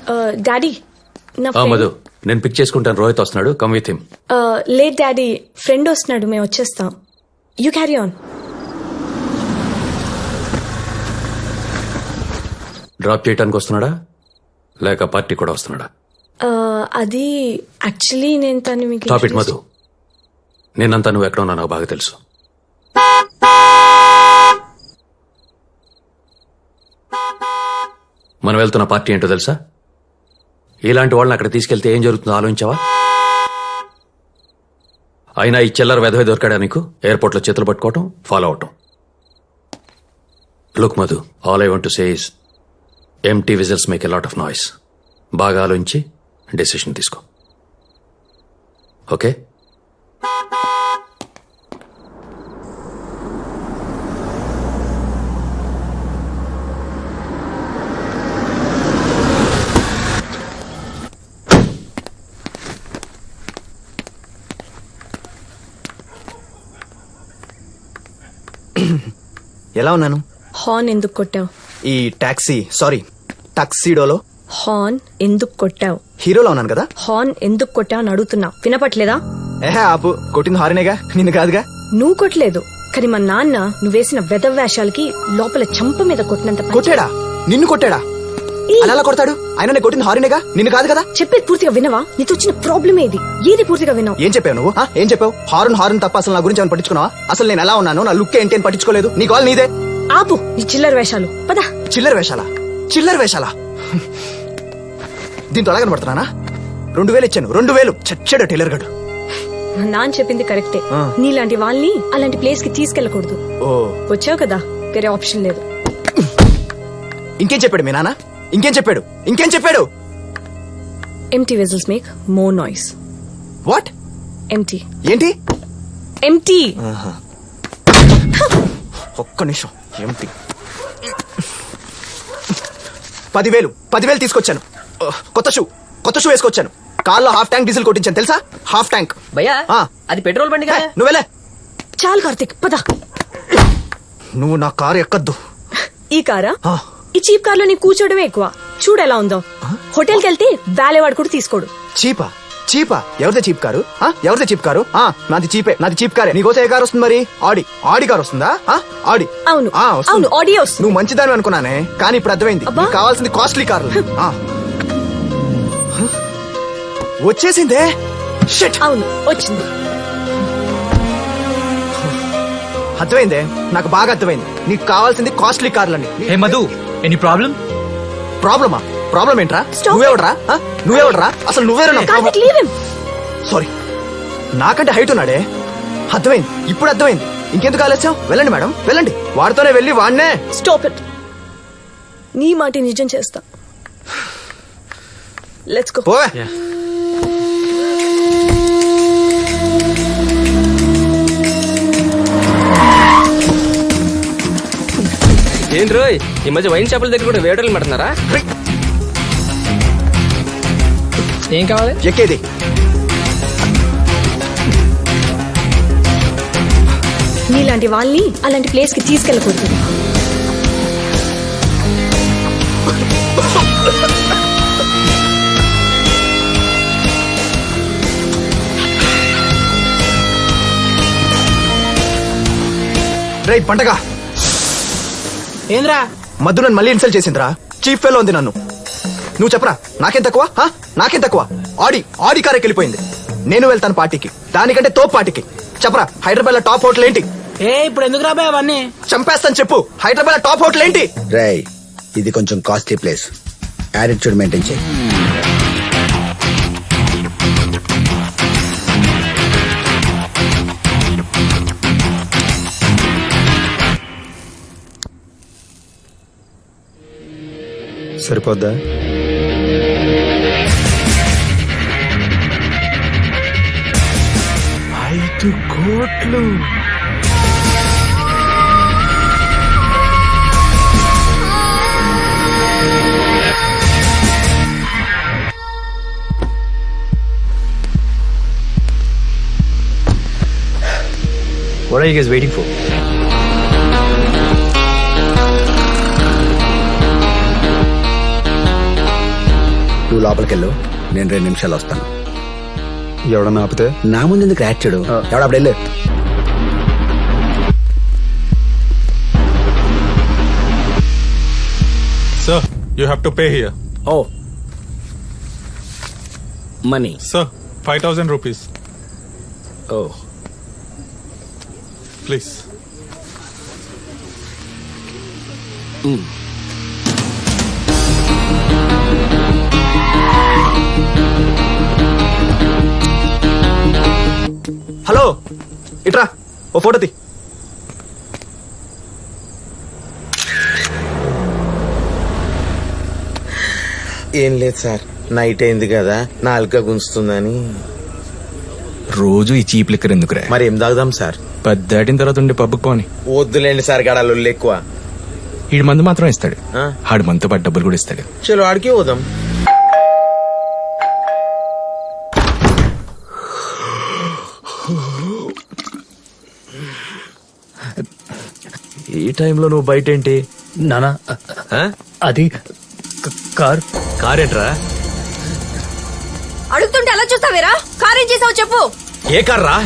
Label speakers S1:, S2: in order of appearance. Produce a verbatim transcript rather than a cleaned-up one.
S1: Daddy నా
S2: ఆ, మధు నేను పిక్ చేసుకుంటాను. రోహిత్ వస్తున్నాడు, come with him.
S1: Late daddy, friend వస్తున్నాడు, మేము వచ్చేస్తాం. You carry on.
S2: డ్రాప్ చేయడానికి వస్తున్నాడా లేక పార్టీ కూడా వస్తున్నాడా?
S1: అది యాక్చువల్లీ నేను తను మీకు
S2: స్టాప్ ఇట్ మధు. నేనంతా నువ్వు ఎక్కడ ఉన్నా నాకు బాగా తెలుసు. మనం వెళ్తున్న పార్టీ ఏంటో తెలుసా? ఇలాంటి వాళ్ళని అక్కడ తీసుకెళ్తే ఏం జరుగుతుందో ఆలోచించావా? అయినా ఈ చిల్లర వెధవే దొరికాడా నీకు? ఎయిర్పోర్ట్లో చేతులు పట్టుకోవటం, ఫాలో అవటం. Look Madhu, all I want to say is empty vessels make a lot of noise. బాగా ఆలోచించి డెసిషన్ తీసుకో. ఓకే?
S3: ఎలా ఉన్నాను?
S1: హార్న్ ఎందుకు కొట్టావు?
S3: ఈ టాక్సీ సారీ టాక్సీడోలో
S1: హార్న్ ఎందుకు కొట్టావు?
S3: హీరోలో ఉన్నాను కదా.
S1: హార్న్ ఎందుకు కొట్టావు అని అడుగుతున్నా, వినపట్లేదా?
S3: ఏహే ఆపు, కొట్టింది హారినేగా, నిన్ను కాదుగా.
S1: నువ్వు కొట్టలేదు, కానీ మా నాన్న నువ్వు వేసిన వెధవ్యాషాలకి లోపల చంప మీద కొట్టినంత పని
S3: కొట్టాడా? నిన్ను కొట్టాడా?
S1: ఈ-
S3: అలా ఎలా కొడతాడు? ఆయన నేను కొట్టింది హారినేగా, నిన్ను కాదు కదా.
S1: చెప్పేది పూర్తిగా వినవా? నీతో వచ్చిన ప్రాబ్లమ్ ఏది? ఏది పూర్తిగా వినవు?
S3: ఏం చెప్పావు నువ్వు? ఆ, ఏం చెప్పావు? హారన్ హారన్ తప్ప అసలు నా గురించి ఏమైనా పట్టించుకున్నావా? అసలు నేను ఎలా ఉన్నాను, నా లుక్ ఏంటి అని పట్టించుకోలేదు. నీ కాల్ నీదే.
S1: ఆపు ఈ చిల్లర వేషాలు, పద.
S3: చిల్లర వేషాలా? చిల్లర వేషాలా? దీంతో ఎలా కనబడుతున్నానా? రెండు వేలు ఇచ్చాను, రెండు వేలు చచ్చాడు టైలర్ గడు.
S1: మా నాన్న చెప్పింది కరెక్టే.
S3: ఆ.
S1: నీలాంటి వాళ్ళని అలాంటి ప్లేస్ కి తీసుకెళ్లకూడదు.
S3: ఓ,
S1: వచ్చావు కదా, వేరే ఆప్షన్ లేదు.
S3: ఇంకేం చెప్పాడు మీ నాన్న? ఇంకేం చెప్పాడు? ఇంకేం చెప్పాడు?
S1: Empty vessels make more noise.
S3: What?
S1: Empty
S3: ఏంటి?
S1: ఎంటీ.
S3: ఒక్క నిమిషం. ఏమిటి? పదివేలు పదివేలు తీసుకొచ్చాను. కొత్త షూ కొత్త షూ వేసుకొచ్చాను. కార్లో హాఫ్ ట్యాంక్ డీజిల్ కొట్టించాను తెలుసా? Half tank.
S4: భయ్యా
S3: ఆ.
S4: అది పెట్రోల్ బండి కదా.
S3: నువ్వెలే.
S1: చాలు కార్తిక్, పద.
S3: నువ్వు నా కారు ఎక్కద్దు.
S1: ఈ కారా?
S3: ఆ.
S1: ఈ చీప్ కార్ లో నీ కూర్చోవడమే ఎక్కువ. చూడు ఎలా ఉందో. హోటల్ కి వెళ్తే వాలేవాడు కూడా తీసుకోడు.
S3: చీపా? చీపా? ఎవరిదే చీప్ కారు? ఆ, ఎవరిదే చీప్ కారు? ఆ, నాది చీపే, నాది చీప్ కారే. నీకోసం ఏ కారు వస్తుంది మరి? ఆడి ఆడి కారు వస్తుందా? ఆ, ఆడి.
S1: అవును
S3: ఆ, వస్తుంది.
S1: అవును, ఆడియో వస్తుంది.
S3: నువ్వు మంచిదాని అనుకున్నానే, కానీ ఇప్పుడు అర్థమైంది.
S1: అబ్బా.
S3: నీకు కావాల్సింది కాస్ట్లీ కార్లు. ఆ. వచ్చేసిందే. షిట్.
S1: అవును, వచ్చింది.
S3: అర్థమైందే, నాకు బాగా అర్థమైంది. నీకు కావాల్సింది కాస్ట్లీ కార్లని.
S5: Hey Madhu, any problem?
S3: ప్రాబ్లమా? ప్రాబ్లం ఏంట్రా?
S1: Stop
S3: నువ్వెవడరా? ఆ? నువ్వెవడరా? అసలు నువ్వేరా?
S1: Karthik, leave him.
S3: సారీ, నాకంటే హైట్ ఉన్నాడే. అర్థమైంది, ఇప్పుడు అర్థమైంది. ఇంకెందుకు ఆలస్యం? వెళ్ళండి మేడం, వెళ్ళండి. వాడితోనే వెళ్ళి వాడినే.
S1: Stop it. నీ మాట నిజం చేస్తా. Let's go.
S3: పోవే.
S4: ఏంటి రోయ్, ఈ మధ్య వైన్ షాపుల దగ్గర కూడా వేటర్లు పెడుతున్నారా? ఏం కావాలి?
S3: ఎక్కేది.
S1: నీలాంటి వాళ్ళని అలాంటి ప్లేస్ కి తీసుకెళ్ళకూడదు.
S3: రేయ్ పంటగా,
S4: ఏంద్రా?
S3: మధు నన్ను మళ్ళీ ఇన్సల్ట్ చేసిందిరా. చీఫ్ ఫెలో ఉంది నన్ను. నువ్వు చెప్పరా, నాకేం తక్కువ? ఆ? నాకేం తక్కువ? ఆడి ఆడి కారెక్కి వెళ్ళిపోయింది. నేను వెళ్తాను పార్టీకి, దానికంటే తోపు పార్టీకి. చెప్పరా, హైదరాబాద్ లో టాప్ హోటల్ ఏంటి?
S4: ఏ ఇప్పుడు ఎందుకు రాబాయ్ అవన్నీ?
S3: చంపేస్తాను చెప్పు. హైదరాబాద్ లో టాప్ హోటల్ ఏంటి?
S6: రేయ్, ఇది కొంచెం కాస్ట్లీ ప్లేస్. యాటిట్యూడ్ మెయింటైన్ చేయి.
S3: సరిపోద్దా? ఐదు కోట్లు.
S5: What are you guys waiting for?
S6: నువ్వు లోపలికెళ్ళు నేను రెండు నిమిషాలు వస్తాను.
S7: ఎవడన్నా ఆపితే
S6: నా ముందు ఎందుకు రాచాడు ఎవడప్పుడు వెళ్ళు.
S8: Sir, you have to pay here.
S6: ఓ money.
S8: Sir, five thousand rupees.
S6: ఓ
S8: Please.
S3: హలో ఇట్రా ఓ ఫోటో తీ.
S9: ఏం లేదు సార్, నైట్ అయింది కదా నాలుక గుంచుతుందని.
S7: రోజు ఈ చీప్ లిక్కర్ ఎందుకురా?
S9: మరి ఏం తాగుదాం సార్?
S7: పది దాటిన తర్వాత ఉండే పబ్బుకి పోని.
S9: వద్దులేండి సార్, గడాలు ఎక్కువ.
S7: ఈడు మందు మాత్రం ఇస్తాడు,
S9: ఆ?
S7: ఆడు మనతో పాటు డబ్బులు కూడా ఇస్తాడు.
S9: చలో ఆడికి పోదాం.
S5: ఈ టైంలో నువ్వు బయట ఏంటి?
S4: నానా అది కార్
S5: కార్ ఏంట్రా?
S1: అడుగుతుంటే అలా చూస్తావేరా? కారేం చేసావు చెప్పు.
S5: ఏ కార్ రా?